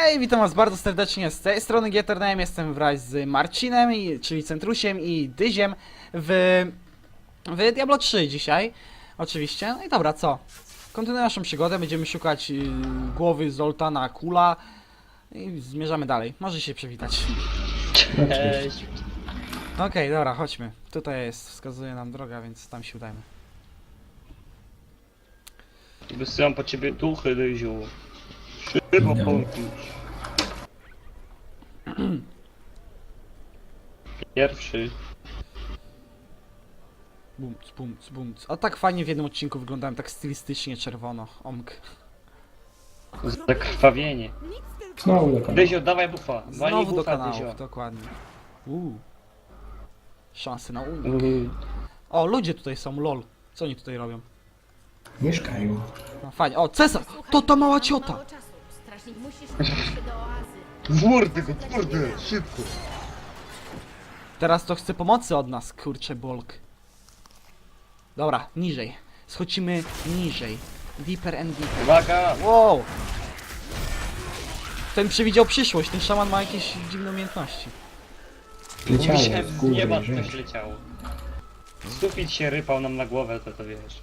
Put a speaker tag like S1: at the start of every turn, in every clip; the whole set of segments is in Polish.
S1: Hej, witam was bardzo serdecznie z tej strony GTRNM, jestem wraz z Marcinem, czyli Centrusiem i Dyziem w Diablo 3 dzisiaj, oczywiście. No i dobra, co? Kontynuujemy naszą przygodę, będziemy szukać głowy Zoltana Kula i zmierzamy dalej. Może się przywitać.
S2: Cześć.
S1: Okej, dobra, chodźmy. Tutaj jest, wskazuje nam droga, więc tam się udajmy.
S2: Wysyłam po ciebie duchy, Ryziu. Szybko pomóż. Pierwszy.
S1: Bumc, bumc, bumc. A tak fajnie w jednym odcinku wyglądałem, tak stylistycznie czerwono. Omk.
S2: Zakrwawienie.
S3: Znowu do kanału.
S2: Dyzio, dawaj bufa. Walnij
S1: Znowu do
S2: bufa,
S1: kanałów,
S2: Dyzio.
S1: dokładnie. Szanse na unik. O, ludzie tutaj są, lol. Co oni tutaj robią?
S3: Mieszkają.
S1: No fajnie. O, Cesar! To ta mała ciota!
S4: Strażnik, musisz udać się do oazy.
S2: Wurdy go, wurdy, szybko.
S1: Teraz to chce pomocy od nas, kurczę bolk. Dobra, niżej. Schodzimy niżej. Deeper and deeper.
S2: Uwaga!
S1: Wow! Ten przewidział przyszłość, ten szaman ma jakieś dziwne umiejętności.
S3: Leciało
S2: Myślałem,
S3: z
S2: z
S3: góry,
S2: nieba
S3: że...
S2: coś leciało. Sufit się rypał nam na głowę, to wiesz.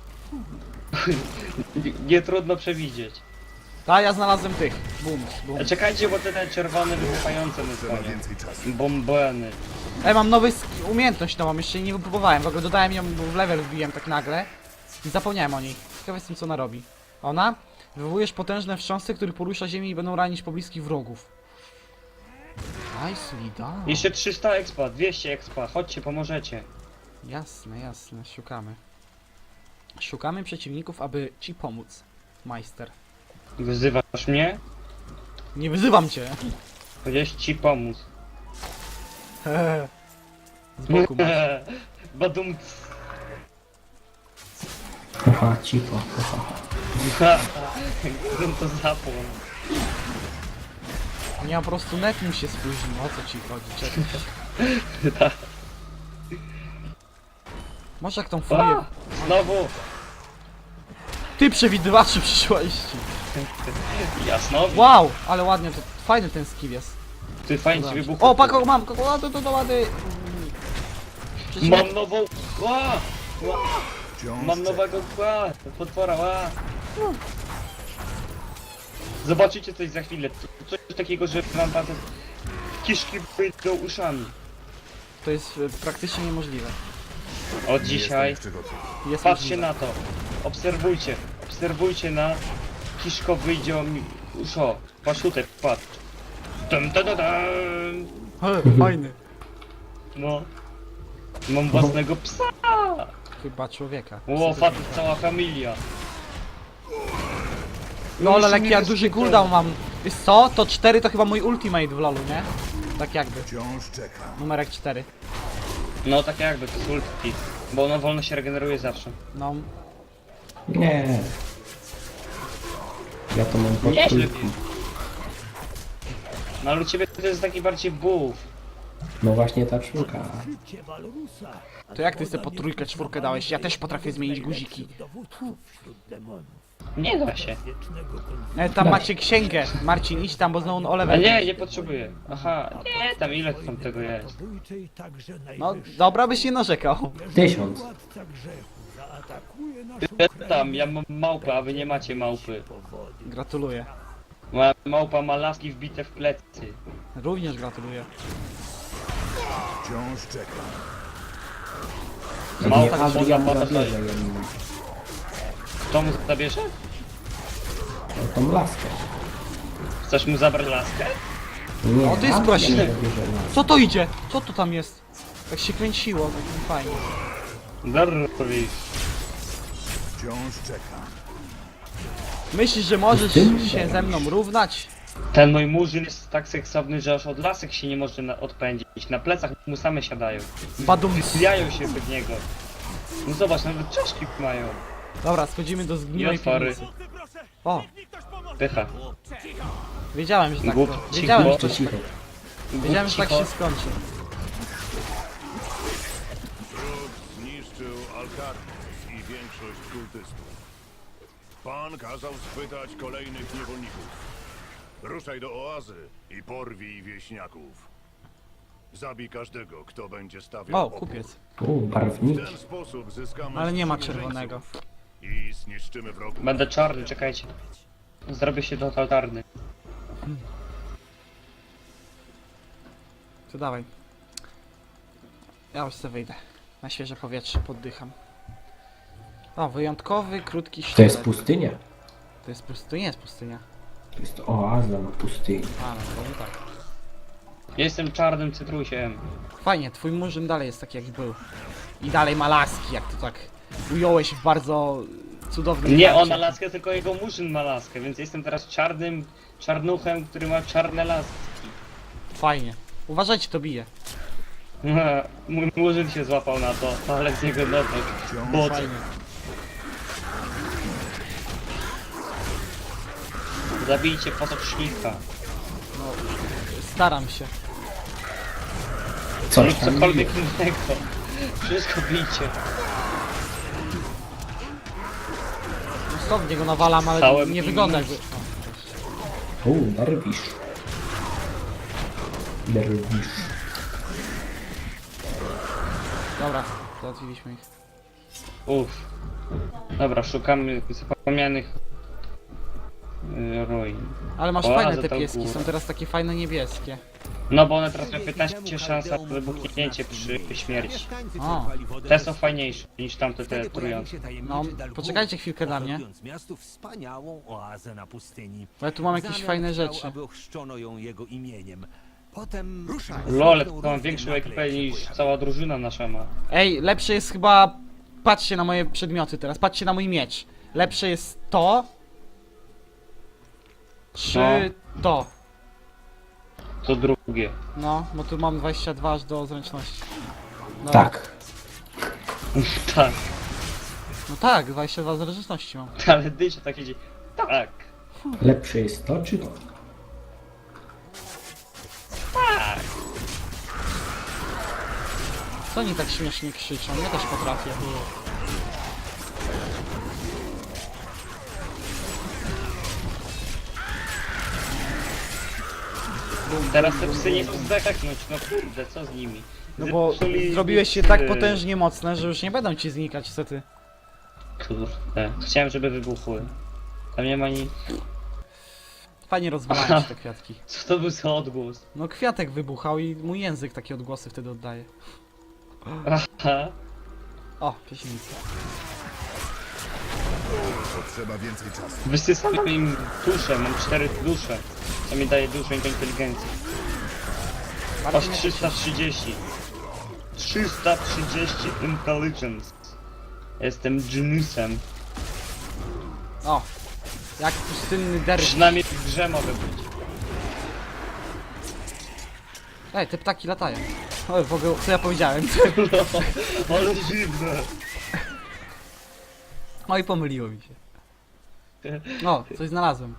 S2: Nie trudno przewidzieć.
S1: Ta, ja znalazłem tych. Bum, bum.
S2: Czekajcie, bo te czerwone wybuchające nas gonią. Bombeny.
S1: Mam nowy umiejętność nową, jeszcze jej nie wypróbowałem. W ogóle dodałem ją, bo w level wbiłem tak nagle. I zapomniałem o niej. Ciekawe jestem, co ona robi. Ona? Wywołujesz potężne wstrząsy, które porusza ziemię i będą ranić pobliskich wrogów. Nicely done.
S2: Jeszcze 300 expa, 200 expa, chodźcie, pomożecie.
S1: Jasne, jasne, szukamy. Szukamy przeciwników, aby ci pomóc. Majster.
S2: Wyzywasz mnie?
S1: Nie wyzywam cię!
S2: Powiedziałeś ci pomóc.
S1: Z boku masz.
S2: Badum.
S3: Haha, cicho, haha.
S2: Gdybym to zapłon.
S1: Nie, po prostu net mi się spóźnił, o co ci chodzi, czekaj. Może jak tą furię...
S2: Znowu!
S1: Ty przewidywaczu przyszłości!
S2: Jasno.
S1: Wow, ale ładnie, to fajny ten skill jest.
S2: Ty fajnie ci wybuchł.
S1: O, pako, mam, o, to ładny.
S2: Mam nową. Ła! Ła! Mam nowego kła! Potwora, ła! Zobaczycie coś za chwilę. Coś takiego, że wam bardzo kiszki wyjdą uszami.
S1: To jest praktycznie niemożliwe.
S2: Od dzisiaj.
S1: Jest
S2: Patrzcie
S1: możliwe.
S2: na to. Obserwujcie. Obserwujcie na kiszko wyjdzie mi uszo. Paszutek, patrz. Dum, dum, dum, dum.
S1: Fajny.
S2: No. Mam własnego psa.
S1: Chyba człowieka.
S2: O, fat, cała familia.
S1: No ale jak ja duży cooldown mam. Wiesz co? To 4 to chyba mój ultimate w lolu, nie? Tak jakby.
S5: Wciąż czekam.
S1: Numerek 4.
S2: No tak jakby, to jest ulti. Bo ono wolno się regeneruje zawsze.
S1: No.
S3: Nie. Ja to mam pod
S2: Nieźle.
S3: kulką.
S2: No ale u ciebie to jest taki bardziej buff.
S3: No właśnie ta czwórka.
S1: To jak ty sobie po trójkę, czwórkę dałeś? Ja też potrafię zmienić guziki.
S2: Nie da się.
S1: Tam macie księgę. Marcin, idź tam, bo znowu o
S2: A
S1: level.
S2: nie, nie potrzebuję. Aha, nie, tam ile tam tego jest.
S1: No, dobra byś nie narzekał.
S3: 1000.
S2: Tam, ja mam małpę, a wy nie macie małpy.
S1: Gratuluję.
S2: Moja małpa ma laski wbite w plecy.
S1: Również gratuluję.
S5: Wciąż czekam.
S3: Jak nie
S2: Małpa
S3: Adrian
S2: można
S3: zabierze ją.
S2: Kto mu zabierze?
S3: No tą laskę.
S2: Chcesz mu zabrać laskę?
S3: Nie,
S1: O, to jest
S3: Adrian
S1: prościej.
S3: zabierze laskę.
S1: Co to idzie? Co to tam jest? Tak się kręciło, tak fajnie.
S2: Darrowi.
S5: Wciąż czekam.
S1: Myślisz, że możesz
S3: Ty?
S1: się ze mną równać?
S2: Ten mój murzyn jest tak seksowny, że aż od lasek się nie może odpędzić. Na plecach mu same siadają.
S1: Badum.
S2: Zbijają się pod niego. No zobacz, nawet czaszki mają.
S1: Dobra, schodzimy do zgniłej
S2: I otwory.
S1: piwnicy. O,
S2: Pycha.
S1: wiedziałem, że tak
S2: Głup,
S1: to...
S2: cicho.
S1: Wiedziałem, że
S3: To
S1: to,
S3: cicho.
S1: wiedziałem, że tak
S2: Cicho.
S1: się skończy.
S5: Zniszczył Alcarnus i większość kultystów. Pan kazał schwytać kolejnych niewolników. Ruszaj do oazy i porwij wieśniaków. Zabij każdego, kto będzie stawiał
S1: O,
S5: opór.
S1: kupiec.
S5: W
S3: Barwniki.
S5: ten sposób zyskamy
S1: Ale nie ma
S5: sprzymierzeńców
S1: czerwonego.
S5: i zniszczymy wrogów.
S2: Będę czarny, czekajcie. Zrobię się totalny.
S1: To dawaj. Ja już sobie wyjdę. Na świeże powietrze, poddycham. O, wyjątkowy, krótki
S3: To
S1: sztylet.
S3: jest pustynia.
S1: To jest pustynia. To nie jest pustynia.
S3: To jest oaza na pustyni.
S1: A, no to tak.
S2: Jestem czarnym cytrusiem.
S1: Fajnie, twój murzyn dalej jest taki jak był. I dalej ma laski, jak to tak ująłeś w bardzo cudownym
S2: Nie
S1: żarcie.
S2: on ma laskę, tylko jego murzyn ma laskę, więc jestem teraz czarnym czarnuchem, który ma czarne laski.
S1: Fajnie. Uważajcie, to bije.
S2: Mój murzyn się złapał na to, ale z niego nowek. Bot.
S1: Fajnie.
S2: Zabijcie potocznika.
S1: No, staram się.
S3: Coś
S2: Lub
S3: tam
S2: cokolwiek
S3: bije.
S2: innego. Wszystko bijcie.
S1: Stąd niego nawalam, ale
S2: Całym
S1: nie wygląda jakby...
S3: Derwisz. Derwisz.
S1: Dobra, załatwiliśmy ich.
S2: Uff. Dobra, szukamy zapomnianych ruin.
S1: Ale masz
S2: O,
S1: fajne
S2: za
S1: te
S2: tą
S1: pieski,
S2: górę.
S1: są teraz takie fajne niebieskie.
S2: No bo one teraz mają 15 szans na wybuchnięcie przy śmierci.
S1: O,
S2: Te są fajniejsze niż tamte te trujące.
S1: no, poczekajcie chwilkę na mnie.
S6: Miastu wspaniałą oazę na pustyni.
S1: Bo ja tu mam jakieś
S6: Zamian
S1: fajne
S6: chciał,
S1: rzeczy.
S6: aby ochrzczono ją jego imieniem. Potem ruszaj.
S2: Lol, to mam większą ekipę niż cała drużyna nasza ma.
S1: Ej, lepsze jest chyba... Patrzcie na moje przedmioty teraz, patrzcie na mój miecz. Lepsze jest to... Czy to?
S2: To drugie.
S1: No, bo tu mam 22 aż do zręczności. Dobra.
S3: Tak.
S2: Tak,
S1: No tak, 22 zręczności mam.
S2: ale dycie tak idzie. Tak.
S3: Lepsze jest to, czy to?
S1: Co oni tak śmiesznie krzyczą? Ja też potrafię.
S2: Teraz te psy nie chcą zdechnąć, no kurde, co z nimi?
S1: No bo
S2: Zepsuli
S1: zrobiłeś się
S2: psy.
S1: tak potężnie mocne, że już nie będą ci znikać, co ty.
S2: Kurde, chciałem, żeby wybuchły. Tam nie ma nic.
S1: Fajnie rozwalają się te kwiatki.
S2: Co to był za odgłos?
S1: No kwiatek wybuchał i mój język takie odgłosy wtedy oddaje.
S2: Aha.
S1: O, pieśnica.
S5: Potrzeba więcej czasu.
S2: Wysysam im duszę, mam 4 dusze. To mi daje dużo inteligencji. Aż 330. 330 intelligence. Jestem geniusem.
S1: O, jak pustynny derwisz.
S2: Przynajmniej w grze mogę być.
S1: Ej, te ptaki latają. O, w ogóle, co ja powiedziałem?
S2: No, ale dziwne.
S1: Oj, pomyliło mi się. O, coś znalazłem.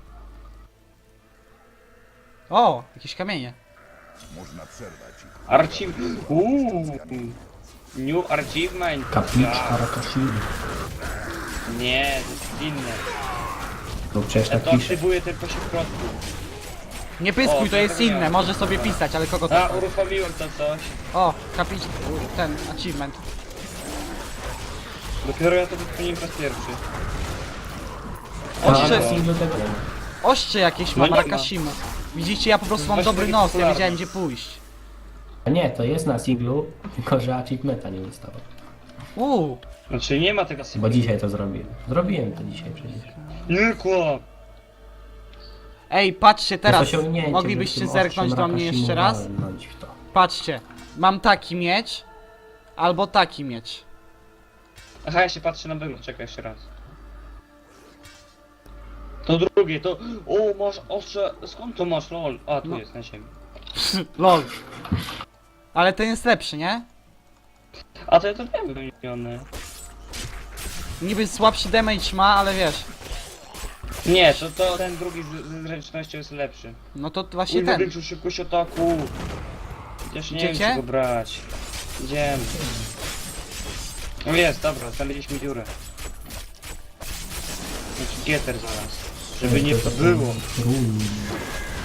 S1: O, jakieś kamienie.
S5: Można przerwać ich.
S2: New achievement.
S3: Kapliczka Rakashiri.
S2: Nie, to jest inne.
S3: No przecież
S2: Ja
S3: tak
S2: to
S3: pisze.
S2: aktywuję tylko się w środku.
S1: Nie pyskuj,
S2: O,
S1: to jest
S2: zapomniałem.
S1: inne, może sobie pisać, ale kogo
S2: A,
S1: to...
S2: uruchomiłem to coś.
S1: O, kapić... ten, achievement.
S2: Dopiero ja to wypełniłem po raz pierwszy.
S1: Ostrze,
S2: no.
S3: do tego.
S1: ostrze jakieś
S2: No
S1: mam,
S2: nie ma.
S1: Rakashimu. Widzicie, ja po prostu mam
S2: Właśnie
S1: dobry
S2: takie
S1: nos, ja
S2: popularne.
S1: wiedziałem gdzie pójść.
S3: A nie, to jest na singlu, tylko że achievementa nie ustało.
S2: Znaczy nie ma tego
S3: Bo
S2: symbolu.
S3: dzisiaj to zrobiłem. Zrobiłem to dzisiaj przecież.
S2: Nie kłam.
S1: Ej, patrzcie teraz,
S3: To jest osiągnięcie,
S1: moglibyście
S3: więc tym
S1: zerknąć
S3: ostrzem
S1: do mnie
S3: Rakashimu
S1: jeszcze raz?
S3: walnąć w to.
S1: Patrzcie, mam taki miecz, albo taki miecz.
S2: Aha, ja się patrzę na wygląd, czekaj jeszcze raz. To drugie, to... O, masz ostrze... Skąd to masz, lol? A, tu
S1: No.
S2: jest na ziemi.
S1: Lol. Ale ten jest lepszy, nie?
S2: A to ja to wiem wymienione.
S1: Niby słabszy damage ma, ale wiesz.
S2: Nie, to ten drugi z zręcznością jest lepszy.
S1: No to właśnie
S2: Uj,
S1: ten.
S2: większą szybkość ataku. Chociaż nie wiem,
S1: Idziecie?
S2: czy go brać. Idziemy. No jest, dobra, znaleźliśmy dziurę. Znaczy Gieter zaraz. Żeby nie
S3: To są
S2: było.
S3: ruiny.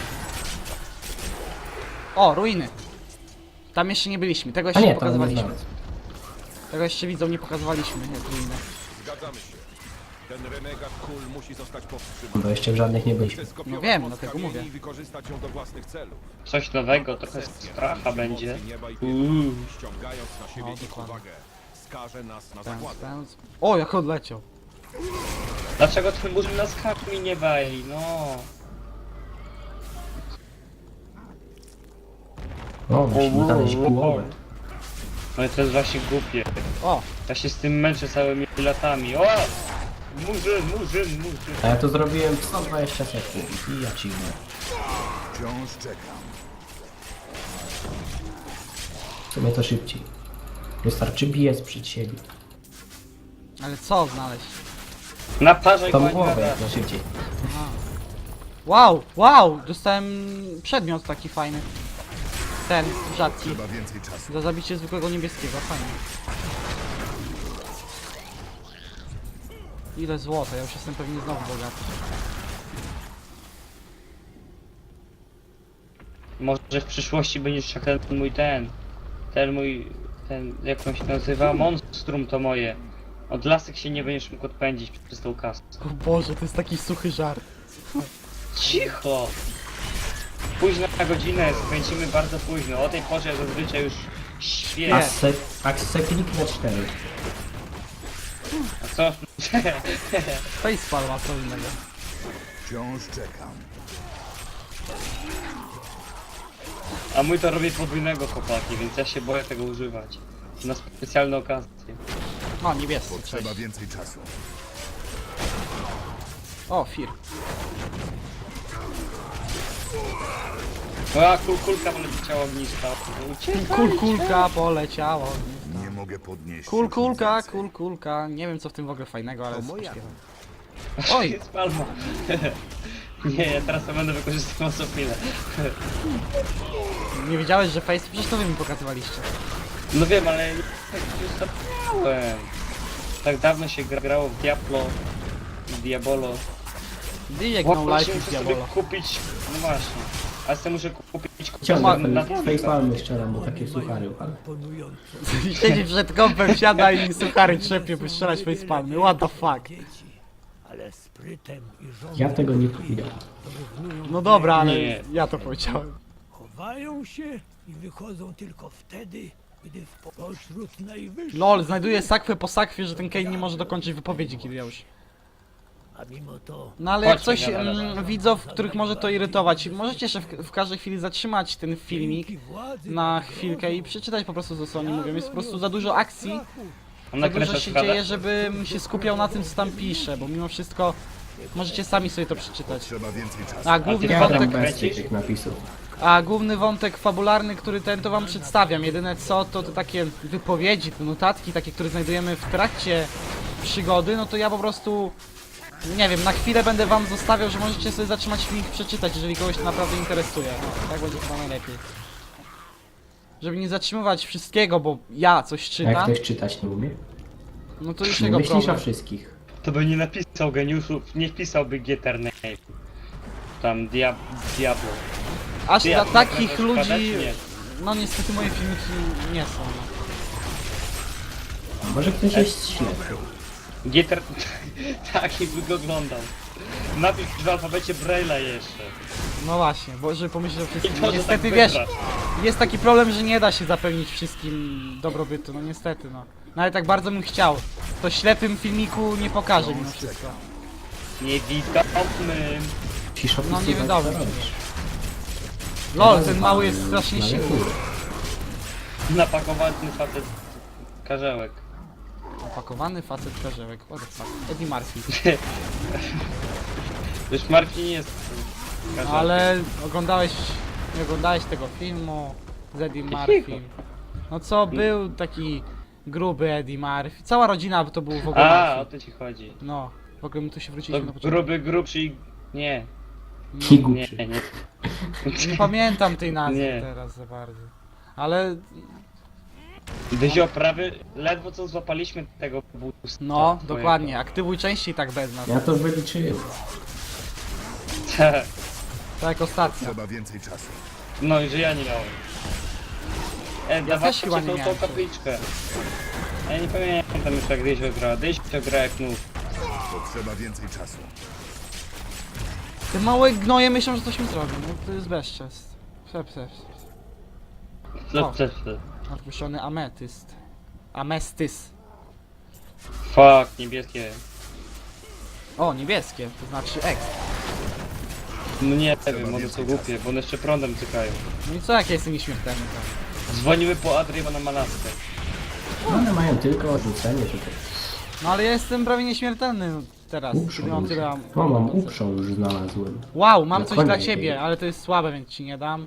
S1: O, ruiny. Tam jeszcze nie byliśmy, tego
S3: A
S1: jeszcze nie
S3: nie, to nie
S1: pokazywaliśmy.
S3: znalazł.
S1: Tego jeszcze widzom nie pokazywaliśmy, jak ruiny.
S7: Zgadzamy się. Ten renegat kul musi zostać powstrzymany.
S3: Bo jeszcze w żadnych nie byliśmy.
S7: Chcę skopiować
S1: No wiem,
S7: moc
S1: dlatego
S7: kamieni
S1: mówię.
S7: i wykorzystać ją do własnych celów.
S2: Coś nowego, trochę stracha będzie.
S7: Ściągając na siebie ich
S1: dokładnie.
S7: uwagę, skaże nas na
S1: Ten,
S7: zagładę.
S1: ten. O, jak odleciał.
S2: Dlaczego ten murzyn nas hakmi nie wali? No.
S3: O, musimy znaleźć połowę.
S2: No i to jest właśnie głupie.
S1: O,
S2: Ja się z tym męczę całymi latami. O! Murzyn.
S3: A ja to zrobiłem w 120 sekund i ja ci mówię.
S5: Wciąż czekam.
S3: W sumie to szybciej. Wystarczy biec przed siebie.
S1: ale co znaleźć?
S2: Naparzaj
S3: Tą
S2: go,
S3: głowę jak najszybciej.
S1: Wow, wow, dostałem przedmiot taki fajny. Ten, rzadki.
S5: Trzeba więcej czasu.
S1: Za zabicie zwykłego niebieskiego, fajnie. Ile złota, ja już jestem pewnie znowu bogaty.
S2: Może w przyszłości będziesz jak ten jak on się nazywa? Monstrum to moje. Od lasek się nie będziesz mógł odpędzić przez tą kasę.
S1: O Boże, to jest taki suchy żart.
S2: Cicho! Późna godzinę, skręcimy bardzo późno. O tej porze zazwyczaj już śpię.
S3: A se kliknę 4.
S2: A co?
S1: Facepalm ma co innego.
S5: Wciąż czekam.
S2: A mój to robi podwójnego chłopaki, więc ja się boję tego używać. Na specjalne okazje.
S1: O, niebieski, cześć.
S5: Potrzeba więcej czasu.
S1: O, Fir.
S2: A kulka poleciała ognista. Uciekaj!
S1: Kulka poleciało.
S5: Nie mogę podnieść.
S1: Kulka. Nie wiem co w tym w ogóle fajnego, ale
S6: moja.
S1: Oj,
S2: Jest palma. Nie, ja teraz to będę wykorzystywał co chwilę.
S1: nie wiedziałeś, że face? Przecież to wy mi pokazywaliście.
S2: No wiem, ale tak już zapomniałem. Tak dawno się grało w Diabolo.
S1: Dijek no
S2: Właśnie
S1: life
S2: muszę
S1: is
S2: sobie
S1: diabolo.
S2: kupić, no właśnie. Ale sobie muszę kupić
S3: Ciągle
S2: na
S3: facepalmy strzelam, bo takie suchary, ale...
S1: Siedzi przed kąpem, siada i suchary trzepie, by strzelać facepalmy. What the fuck?
S8: Ale sprytem i
S3: Ja tego nie powiedział.
S1: No dobra, ale
S2: Nie.
S1: ja to powiedziałem.
S8: chowają się i wychodzą tylko wtedy, gdy pośród najwyższych,
S1: LOL, znajduję sakwę po sakwie, że ten Kane nie może dokończyć wypowiedzi, kiedy ja już.
S8: a mimo to
S1: No ale jak
S2: Chodźmy,
S1: coś
S2: gadamy.
S1: widzów, których może to irytować, możecie się w każdej chwili zatrzymać ten filmik
S8: dzięki władzy
S1: na chwilkę i przeczytać po prostu co oni mówią. Jest po prostu za dużo akcji,
S2: On
S1: za
S2: nakręca
S1: dużo się
S2: składa.
S1: dzieje, żebym się skupiał na tym co tam pisze, bo mimo wszystko możecie sami sobie to przeczytać.
S5: Trzeba więcej czasu.
S1: A główny
S3: Ja gram
S1: wątek,
S3: bez
S2: kręcisz?
S3: tych napisów.
S1: a główny wątek fabularny, który ten to wam przedstawiam. Jedyne co to takie wypowiedzi, te notatki takie, które znajdujemy w trakcie przygody, no to ja po prostu nie wiem, na chwilę będę wam zostawiał, że możecie sobie zatrzymać film i przeczytać, jeżeli kogoś to naprawdę interesuje. No, tak będzie chyba najlepiej. Żeby nie zatrzymywać wszystkiego, bo ja coś
S3: A jak
S1: czytam,
S3: ktoś czytać nie umie?
S1: no to już
S3: Nie
S1: jego
S3: myślisz o
S1: problem.
S3: wszystkich.
S2: To by nie napisał geniuszów, nie wpisałby Etername. Tam Diablo.
S1: Aż
S2: Ty,
S1: dla
S2: a ty
S1: takich
S2: nakręcasz
S1: ludzi,
S2: składać? Nie.
S1: no niestety moje filmiki nie są. No.
S3: Może ktoś jest ślepy.
S2: Gieter... tak, jakby go oglądał. Napisz w alfabecie Braille'a jeszcze.
S1: No właśnie, bo żeby pomyśleć o
S2: I
S1: wszystkim.
S2: to, że
S1: Niestety
S2: tak
S1: wiesz,
S2: wygrasz.
S1: jest taki problem, że nie da się zapewnić wszystkim dobrobytu, no niestety no. Nawet tak bardzo bym chciał, to ślepym filmiku nie pokażę mimo wszystko.
S2: Niewidomym.
S3: Musisz
S1: No
S3: opisywać,
S1: nie wiadomo.
S3: co robisz.
S1: LOL, ten mały jest strasznie
S3: No, ale
S1: silny.
S3: kurde.
S2: Napakowany facet karzełek.
S1: Opakowany facet karzełek, what the fuck. Eddie Murphy.
S2: Już Marcin nie jest karzełkiem.
S1: Ale nie oglądałeś tego filmu z Eddie Murphy. No co, był taki gruby Eddie Murphy. Cała rodzina to był w ogóle
S2: A, o
S1: Murphy.
S2: to ci chodzi.
S1: No, w ogóle my tu się
S2: To
S1: wróciliśmy na początku.
S2: gruby, grubszy i... Nie,
S3: I
S2: nie,
S3: głupszy.
S2: nie.
S1: Nie pamiętam tej nazwy
S2: Nie.
S1: teraz za bardzo. Ale
S2: Dyzio, prawie ledwo co złapaliśmy tego boosta.
S1: no,
S2: twojego.
S1: dokładnie, aktywuj częściej tak bez nas.
S3: Ja to wyliczyłem.
S2: Tak.
S1: Tak jak ostatnio.
S5: Trzeba więcej czasu.
S2: No i że ja nie miałem.
S1: też
S2: Dawajcie
S1: chyba nie
S2: tą
S1: miałem.
S2: kapliczkę. Ja nie pamiętam już jak Dysio gra. Dysio gra jak nóż.
S5: Potrzeba więcej czasu.
S1: Te małe gnoje myślą, że coś mi zrobią. No to jest bezczest. O. Odpuszczony ametyst. Amestys.
S2: Fuck, niebieskie.
S1: O, niebieskie, to znaczy X.
S2: No nie wiem, one są głupie, bo one jeszcze prądem cykają.
S1: No i co, jak ja jestem nieśmiertelny? To?
S2: Dzwonimy po Adrię, bo ona ma laskę.
S3: One mają tylko odrzucenie tutaj.
S1: No ale ja jestem prawie nieśmiertelny teraz, kiedy mam tyle...
S3: O, mam uprzął już znalazłem.
S1: Wow, mam
S3: Na
S1: coś
S3: konia
S1: dla
S3: nie
S1: ciebie,
S3: wiem.
S1: ale to jest słabe, więc ci nie dam.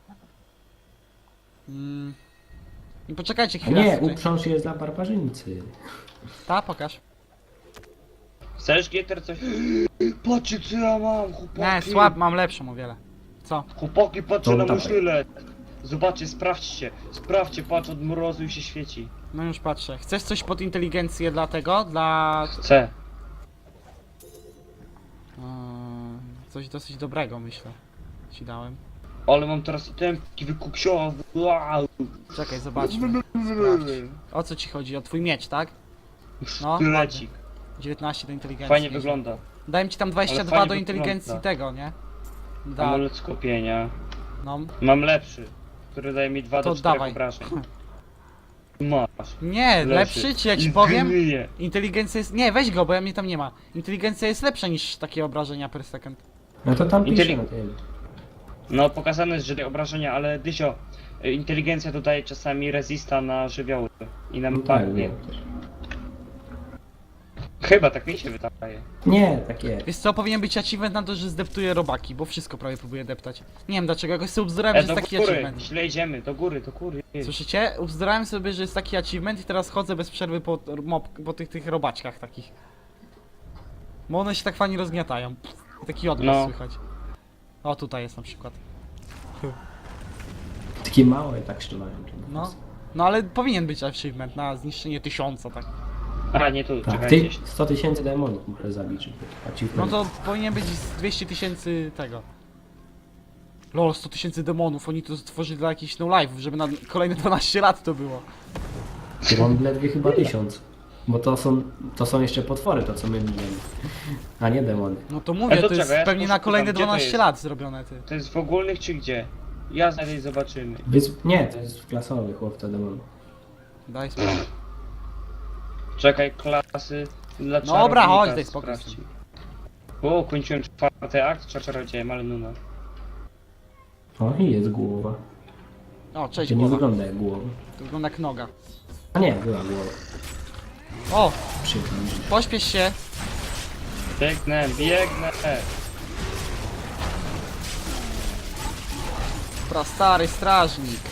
S1: I poczekajcie
S3: A
S1: chwilę.
S3: nie,
S1: tutaj.
S3: uprząż jest dla barbarzyńcy.
S1: Ta, pokaż.
S2: Chcesz Gieter coś? Patrzcie co ja mam, chłopaki.
S1: Nie, słab, mam lepszą o wiele. Co?
S2: Chłopaki, patrzcie
S3: To
S2: na mój
S3: dawaj.
S2: sztylet. Zobaczcie, sprawdźcie. Sprawdźcie, patrz od mrozu i się świeci.
S1: No już patrzę. Chcesz coś pod inteligencję dla tego? Dla...
S2: Chcę.
S1: Coś dosyć dobrego, myślę. Ci dałem.
S2: Ale mam teraz itemki wykuksiowe. Wow.
S1: Czekaj, zobaczmy. Sprawdź. O co ci chodzi? O twój miecz, tak? No,
S2: Sztylecik.
S1: 19 do inteligencji.
S2: Fajnie
S1: nieźle.
S2: wygląda.
S1: Dałem ci tam
S2: Ale
S1: 22
S2: fajnie
S1: do inteligencji
S2: wygląda.
S1: tego, nie? Da,
S2: Amulet skupienia.
S1: no.
S2: Mam lepszy, który daje mi 2
S1: To
S2: do 4
S1: dawaj.
S2: obrażeń. Masz.
S1: Nie, lepszy, czy ja ci
S2: I
S1: powiem?
S2: gryje.
S1: Inteligencja jest... Nie, weź go, bo ja mnie tam nie ma. Inteligencja jest lepsza niż takie obrażenia per second.
S3: No to tam pisze
S2: Inteli-
S3: na tym.
S2: No pokazane jest, że te obrażenia, ale Dysio, inteligencja dodaje czasami resista na żywioły i na
S3: No tak,
S2: magnię.
S3: wiem.
S2: Chyba tak mi się wydaje.
S3: Nie, tak jest.
S1: Wiesz co, powinien być achievement na to, że zdeptuje robaki, bo wszystko prawie próbuje deptać. Nie wiem dlaczego, jakoś sobie ubzdurałem, że
S2: Do
S1: jest taki
S2: góry,
S1: achievement.
S2: źle idziemy, do góry, do góry.
S1: Słyszycie? Ubzdurałem sobie, że jest taki achievement i teraz chodzę bez przerwy po tych robaczkach takich. Bo one się tak fajnie rozgniatają. I taki odgłos
S2: No.
S1: słychać. O, tutaj jest na przykład.
S3: Takie małe tak strzelają.
S1: No. No ale powinien być achievement na zniszczenie 1000, tak.
S2: A nie tu,
S3: Tak,
S2: czekajcie.
S3: ty 100 000 demonów muszę zabić, żeby
S1: No
S3: achievement.
S1: to powinien być z 200 000 tego. Lol, 100 000 demonów, oni to stworzyli dla jakichś no live'ów, żeby na kolejne 12 lat to było.
S3: To mam ledwie chyba 1000. Bo to są jeszcze potwory, to co my mijemy. A nie demony.
S1: No to mówię,
S2: to
S1: to jest
S2: czekaj, ja
S1: pewnie na
S2: poszukam,
S1: kolejne
S2: gdzie to
S1: 12
S2: jest?
S1: lat zrobione, ty.
S2: To jest w ogólnych czy gdzie? Ja znajdę i zobaczymy.
S3: Nie, to jest w klasowych chłopca demonów.
S1: Daj spokój.
S2: Czekaj, klasy dla
S1: Dobra,
S2: czarownika
S1: chodź, daj spokój.
S2: sprawdź. O, kończyłem 4. akt, czarodziejem, ale nuna.
S3: O, i jest głowa.
S1: O, cześć
S3: To nie
S1: głowa.
S3: wygląda jak głowa.
S1: To wygląda jak noga.
S3: A nie, była głowa.
S1: O,
S3: Przyjemnie.
S1: pośpiesz się.
S2: Biegnę, biegnę.
S1: Prastary strażnik.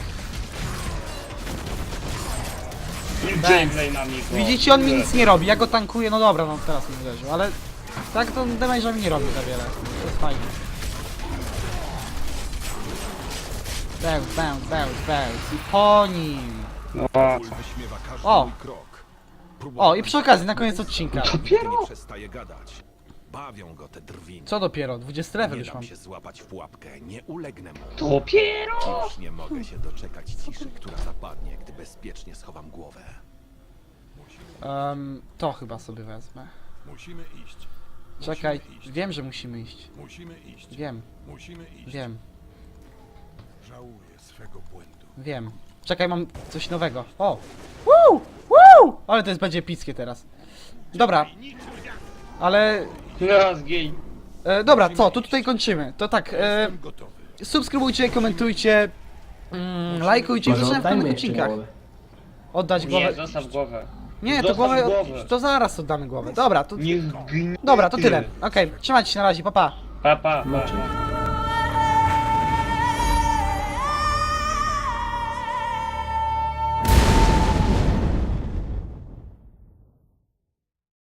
S2: Gameplay na mnie.
S1: Widzicie, on mi nic nie robi, ja go tankuję, no dobra, no teraz mi uderzył, ale tak to damage'a mi nie robi za wiele. To jest fajne. Bełz. I po nim.
S2: No,
S7: Król wyśmiewa każdy
S1: O!
S7: mój krok.
S1: O, i przy okazji, na koniec odcinka.
S7: Dopiero? Nie przestaje gadać. Bawią go te drwiny.
S1: Co dopiero? 20 level
S7: Nie
S1: już
S7: dam
S1: mam.
S7: się złapać w pułapkę, nie ulegnę mu.
S2: dopiero!
S7: Już nie mogę się doczekać ciszy, która zapadnie, gdy bezpiecznie schowam głowę.
S1: To chyba sobie wezmę.
S7: Musimy iść.
S1: Czekaj, wiem, że musimy iść.
S7: Musimy iść.
S1: Wiem,
S7: Musimy iść.
S1: wiem,
S7: Żałuję swego błędu.
S1: wiem. Czekaj, mam coś nowego. O! Woo! Ale to jest będzie epickie teraz. Dobra. Ale...
S2: No, zgiń.
S1: Dobra, co? To tutaj kończymy. To tak,
S7: Gotowy.
S1: subskrybujcie, komentujcie, lajkujcie i
S3: Może
S1: zobaczymy w
S3: oddajmy
S1: kolejnych
S3: jeszcze
S1: odcinkach.
S3: głowę.
S1: Oddać
S2: Nie,
S1: głowę.
S2: zostaw głowę.
S1: Nie, to
S2: Zostaw
S1: głowę.
S2: głowę.
S1: To zaraz oddamy głowę. Dobra, to.
S2: Niech gnie.
S1: Dobra, to tyle. Okej, trzymajcie się na razie, pa pa.
S2: Pa, pa, pa.
S3: Znaczy,